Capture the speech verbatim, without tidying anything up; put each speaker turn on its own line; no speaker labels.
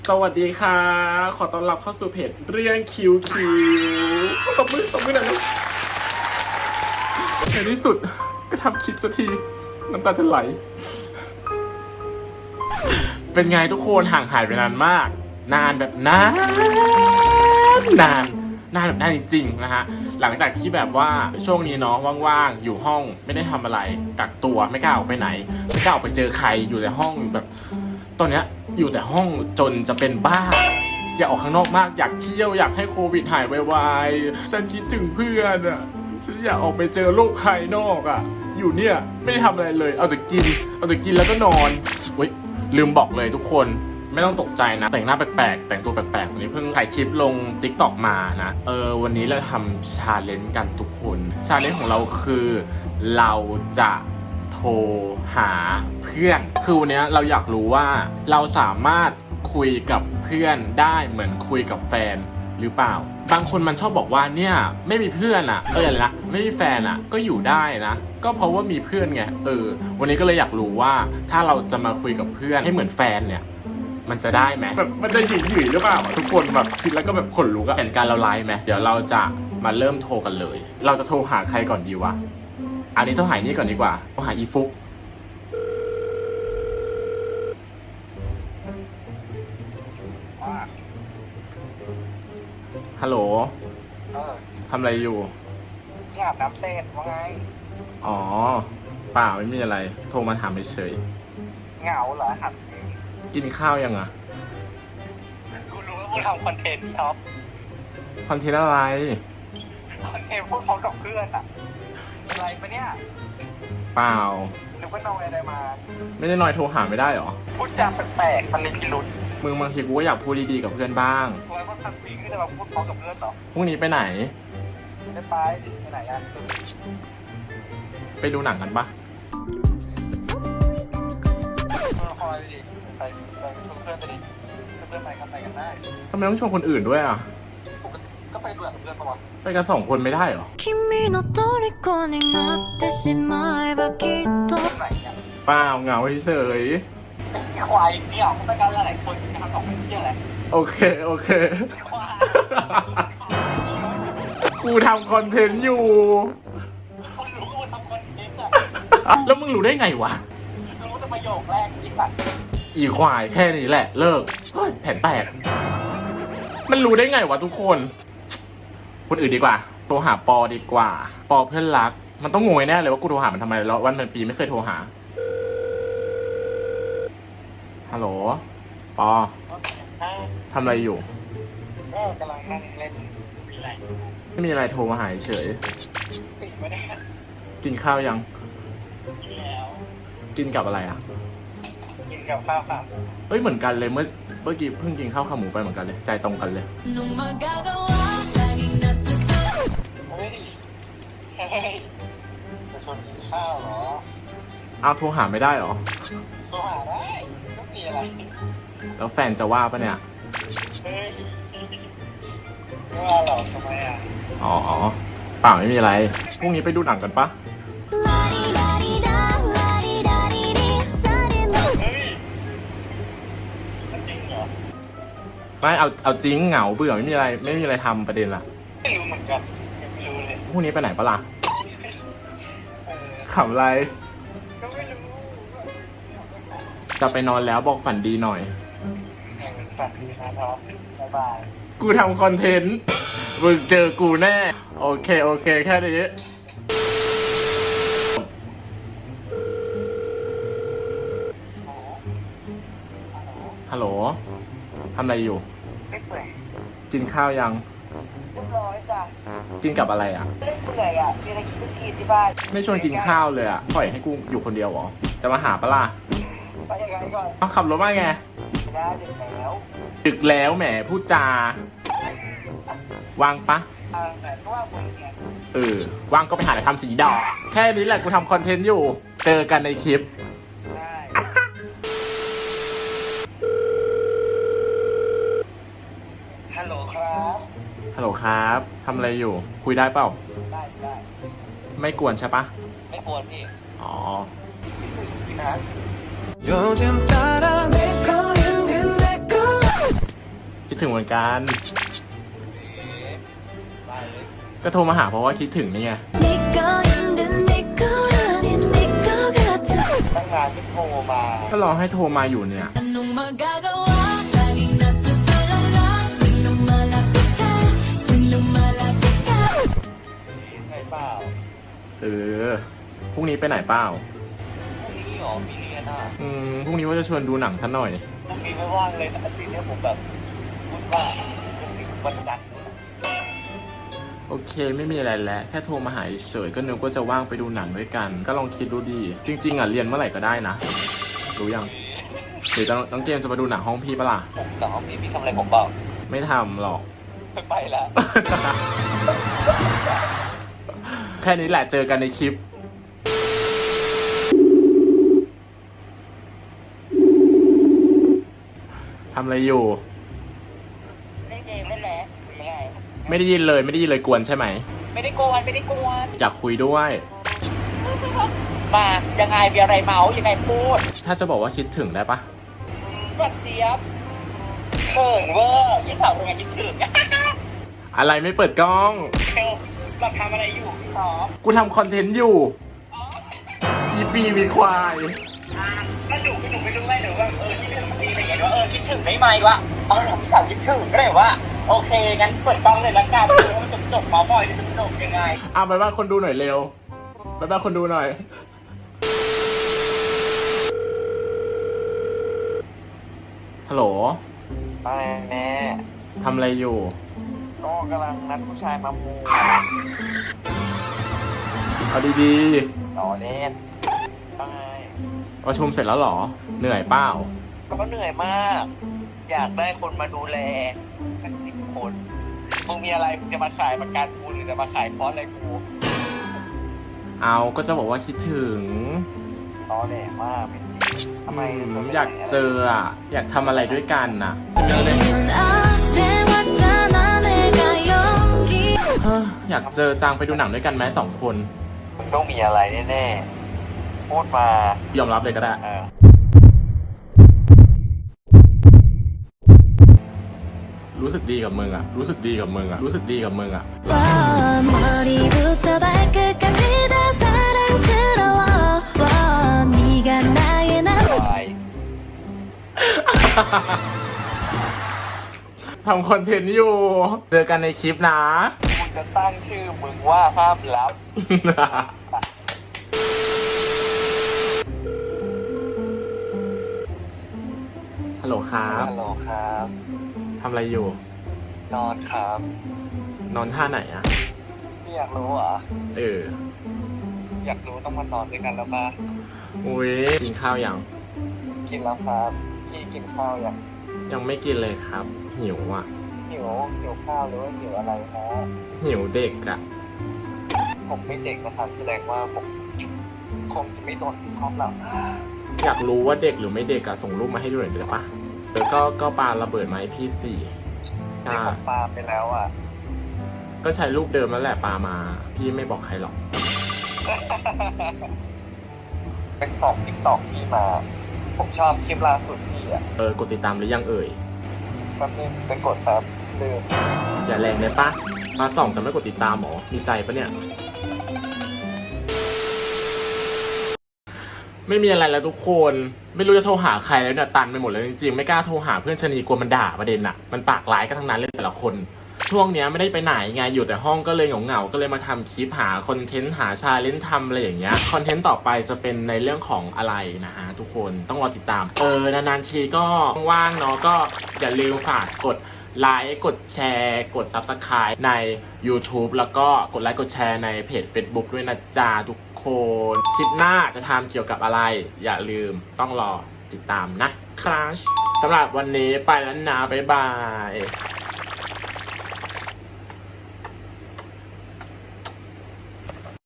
สวัสดีค่ะขอต้อนรับเข้าสู่เพจเรื่องคิวคิวตบมือตบมือหน่อยนะในที่สุดก็ทำคลิปสักทีน้ำตาจะไหลเป็นไงทุกคนห่างหายไปนานมากนานแบบนานนานนานแบบนานจริงๆนะฮะหลังจากที่แบบว่าช่วงนี้เนาะว่างๆอยู่ห้องไม่ได้ทำอะไรกักตัวไม่กล้าออกไปไหนไม่กล้าออกไปเจอใครอยู่ในห้องแบบตอนเนี้ยอยู่แต่ห้องจนจะเป็นบ้าอยากออกข้างนอกมากอยากเที่ยวอยากให้โควิดหายไวๆฉันคิดถึงเพื่อนอ่ะฉันอยากออกไปเจอโลกภายนอกอ่ะอยู่เนี่ยไม่ได้ทำอะไรเลยเอาแต่กินเอาแต่กินแล้วก็นอนเว้ยลืมบอกเลยทุกคนไม่ต้องตกใจนะแต่งหน้าแปลกๆแต่งตัวแปลกๆวันนี้เพิ่งถ่ายคลิปลง ติ๊กต็อก มานะเออวันนี้เราทำชาเลนจ์กันทุกคนชาเลนจ์ของเราคือเราจะโทรหาเพื่อนคือวันนี้เราอยากรู้ว่าเราสามารถคุยกับเพื่อนได้เหมือนคุยกับแฟนหรือเปล่าบางคนมันชอบบอกว่าเนี่ยไม่มีเพื่อนอ่ะเอออะไรนะไม่มีแฟนอ่ะก็อยู่ได้นะก็เพราะว่ามีเพื่อนไงเออวันนี้ก็เลยอยากรู้ว่าถ้าเราจะมาคุยกับเพื่อนให้เหมือนแฟนเนี่ยมันจะได้ไหมแบบมันจะหยิ่งหยิ่งหรือเปล่าทุกคนแบบคิดแล้วก็แบบขนลุกอะเห็นการเราไลฟ์ไหมเดี๋ยวเราจะมาเริ่มโทรกันเลยเราจะโทรหาใครก่อนดีวะอันนี้โทรหานี่ก่อนดีกว่าโทรหาอีฟุกฮัลโหล
เออ
ทำอะไรอยู่
ที่อาบน้ำเสร็จว่าไง
อ๋อเปล่าไม่มีอะไรโทรมาถามเฉย
เหงาเหรอหัดจริง
กินข้าวยังอ่ะ
กูรู้ว่ากูทำคอนเทนต์พี่ท็อป
คอนเทนต์อะไร
คอนเทนต์พูดพร้อมกับเพื่อนอะอะไรปะเนี่ย
เปล่า
หรือว่านอยอะไรมา
ไม่ได้นอยโทรหาไม่ได้หรอ
พูดจาแปลกๆมันมีพิรุษ
มึงบางทีกูก็อยากพูดดีๆกับเพื่อนบ้าง
ทำไมมันพันปีขึ้นจะมาพูดพร้อมกับเพื่อนเหรอ
พรุ่งนี้ไปไหน
ไม่ไปไปไหนอะ
ไปดูหนังกันปะ
คอยไปดิไปไปชวนเพื่อนไปดิเพื่อนไปกันไปกันได้
ทำไมต้องชวนคนอื่นด้วยอ่ะ
ปกติก็ไปดูกับเพื่อนปะวะ
ไปกันสองคนไม่ได้หรอ
ไหนเนี่ย
เปล่าเหงาเฉย
ควายเนี่ยเขาไปกันหลายคนจะทำสองคนที่อะไร
โอเคโอเคกูทำคอนเทนต์อยู่
คุณรู้ว่าทำคอนเทนต์
อะแล้วมึงรู้ได้ไงวะ
รู้แต่ประโยคแรกจริงป่ะ
อีควายแค่นี้แหละเลิกเฮ้ยแผนแตกมันรู้ได้ไงวะทุกคนคนอื่นดีกว่าโทรหาปอดีกว่าปอเพื่อนรักมันต้องงงแน่เลยว่ากูโทรหามันทำไมแล้ววันเป็นปีไม่เคยโทรหาฮัลโหลปอทำอะไรอยู่
ก็กำลังนั่งเล่นมีอะไร
ไม่มีอะไรโทรมาหาเฉย
ติดไม่ได้
กินข้าวยัง
กินแล้ว
กินกับอะไรอ่ะ
กินกับข้าวค่ะ
เฮ้ยเหมือนกันเลยเมื่อเมื่อกี้เพิ่งกินข้าวขาหมูไปเหมือนกันเลยใจตรงกันเลย
เฮ้ยเฮ้ยจะชวนกินข้าวเหรอ
เอาโทรหาไม่ได้หรอ
โทรหาได้ก็มีอะไร
แล้วแฟนจะว่าปะเนี่ย
เฮ้ยไม่ว่าหรอกทำไมอ่ะ
อ๋อเปล่าไม่มีอะไรพรุ่งนี้ไปดูหนังกันปะไม่เอาเอาจริงเหงาเบื่อไม่มีอะไรไม่มีอะไรทำประเด็นละ
ไม่รู้เหมือนกันไม่รู้เลย
พรุ่งนี้ไปไหนปะล่ะขำอะไร
ก็ไม่รู้
จะไปนอนแล้วบอกฝันดีหน่อย
ฝันดีนะครับบ๊ายบาย
กูทำคอนเทนต์มึงเจอกูแน่โอเคโอเคแค่นี้ฮัลโหลทำอะไรอยู่
ไม่เปื่อย
กินข้าวยัง
เรียบร้อยจ้ะ
กินกับอะไรอ่ะ
ไม่เปื่อยอ่ะมีอะไรกินก็กินที่บ้าน
ไม่ชวนกินข้าวเลยอ่ะปล่อยให้กูอยู่คนเดียวเหรอจะมาหาปะล่ะ
ไปยังไงก่อน
เอาขับรถมาไง
ได้ดึกแล้ว
ดึกแล้วแหมพูดจา ว่างปะ
แต่ก็ว่าผมไง
เออว่างก็ไปหาอะไรทำสีดอกแค่นี้แหละกูทำคอนเทนต์อยู่เจอกันในคลิป
ได้ฮัลโหลครับ
ฮัลโหลครับทำอะไรอยู่คุยได้เปล่า
ได้ได้
ไม่กวนใช่ปะ
ไม่กวนพี่
อ๋อ
นะ
คิดถึงเหมือนกัน
ได้เลย
ก็โทรมาหาเพราะว่าคิดถึงนี่ไง
ตั้งนานที่โทรมา
ก็รอให้โทรมาอยู่เนี่ย
ใช่เปล่า
เออ พรุ่งนี้ไปไหนเปล่า
พรุ่งนี้หรอมีเรียนอ่ะ
อืม พรุ่งนี้ว่าจะชวนดูหนังท่านหน่อย
พรุ่งนี้ไม่ว่างเลยแต่อาทิตย์เนี้ยผมแบบพูดว่าจะถึงวันจันทร์
โอเค ไม่มีอะไรแล้ว แค่โทรมาหาเฉยๆก็นึกว่าจะว่างไปดูหนังด้วยกัน ก็ลองคิดดูดี จริง ๆอ่ะเรียนเมื่อไหร่ก็ได้นะ รู้ยังหรือจะน้องเกมจะมาดูหนังห้องพี่ปะล่ะ
ผมแต่ห้องนี้พี่ทำอะไรผมเปล่า
ไม่ทำหรอก
ไม่ไปแล้ว
แค่นี้แหละเจอกันในคลิป ทำอะไรอยู่
เล่นเกมเล่นแหละยังไง
ไม่ได้ยินเลยไม่ได้ยินเลยกวนใช่ไหม
ไม่ได้โกวนไม่ได้โกวน
อยากคุยด้วย
มายังไงมีอะไรเมายังไงพูด
ถ้าจะบอกว่าคิดถึงได้ปะ
บัดเจี๊ยบเขินเวอร์ยี่สาวเป็นไงคิดถึง
อะไรไม่เปิดกล้อง
เออเราทำอะไรอยู่พี่สอบ
กูทำคอนเทนต์อยู่อีปีมีควาย
อ่าก็หนูก็หนูไม่รู้ไงหนูว่าเออคิดถึงจริงอะไรอย่างเงี้ยว่าเออคิดถึงได้ไหมวะเอาหนูพี่สาวคิดถึงก็เลยว่าโอเคงั้นเปิดกล้องเลยละกันเดี๋ยวมันจบจบเมาส์มอยจะจบยังไง
อ่ะไปบ้านคนดูหน่อยเร็วไปบ้านคนดูหน่อย ฮัลโหล
ไปแม่
ทำอะไรอยู่
ก็กำลังนัดผู้ชายมามู
เอาดี
ต่อเล่นไป
ๆประชุมเสร็จแล้วเหรอ เหนื่อยเปล่า
ก็เหนื่อยมาก อยากได้คนมาดูแลสักสิบคนมึงมีอะไรมึงจะมาขายประกันกูหรือจะมาขายคอร์สอะไรกู
เอาก็จะบอกว่าคิดถึง
ต่อแหลมากเป็นจริงทำไม
อืม
เธไม่
อยากเจออ่ะ อยากทำอะไรด้วยกันน่ะเฮ้ออยากเจอจังไปดูหนังด้วยกันไหมสองคน
มึงต้องมีอะไรแน่ๆพูดมาย
อมรับเลยก็ได้
เออ
รู้สึกดีกับมึงอ่ะ รู้สึกดีกับมึงอ่ะ รู้สึกดีกับมึงอ่ะ
ไป
ทำคอนเทนต์อยู่ เจอกันในคลิปนะ
มึงจะตั้งชื่อมึงว่าห้ามลับ
ฮัลโหลครับ
ฮัลโหลครับ
ทำอะไรอยู่
นอนครับ
นอนท่าไหนอ่ะ
พี่อยากรู้เหรอ
เออ
อยากรู้ต้องมานอนด้วยกันแล้วปะ
อุ้ยกินข้าวยัง
กินแล้วครับพี่กินข้าวยัง
ยังไม่กินเลยครับ หิวอ่ะ
หิวหิวข้าวหรือว่าหิวอะไรฮะ
หิวเด็กอ่ะ
ผมไม่เด็กนะครับแสดงว่าผมคงจะไม่โดนพร้อมหรอก
อยากรู้ว่าเด็กหรือไม่เด็กอะส่งรูปมาให้ดูหน่อยได้ปะเออก็ก็ปาระเบิดมาให้พี่สี่
ที่
อ่า
ผมปาไปแล้วอ่ะ
ก็ใช้รูปเดิมนั่นแหละปามา พี่ไม่บอกใครหรอก
ไปส่องติ๊กต็อกพี่มา ผมชอบคลิปล่าสุดพี่อ่ะ
เออกดติดตามหรือยังเอ่ย
แป๊บนึงไปกดครับลืม
อย่าแรงเลยปะมาส่องแต่ไม่กดติดตามหรอ มีใจปะเนี่ย ไม่มีอะไรแล้วทุกคน ไม่รู้จะโทรหาใครแล้วเนี่ยตันไปหมดเลยจริงๆไม่กล้าโทรหาเพื่อนชะนีกลัวมันด่าประเด็นอะมันปากร้ายกันทั้งนั้นเลยแต่ละคน ช่วงเนี้ยไม่ได้ไปไหนไงอยู่แต่ห้องก็เลยเหงาๆก็เลยมาทำคลิปหาคอนเทนต์หาชาเลนจ์ทำอะไรอย่างเงี้ยคอนเทนต์ต่อไปจะเป็นในเรื่องของอะไรนะฮะทุกคนต้องรอติดตาม เออนานๆทีก็ว่างๆเนาะก็อย่าลืมฝากกดไลค์กดแชร์กด ซับสไครบ์ ใน ยูทูบ แล้วก็กดไลค์กดแชร์ในเพจ เฟซบุ๊ก ด้วยนะจ๊ะทุกคนคลิปหน้าจะทำเกี่ยวกับอะไร อย่าลืมต้องรอติดตามนะครับสำหรับวันนี้ไปแล้วนะบ๊ายบาย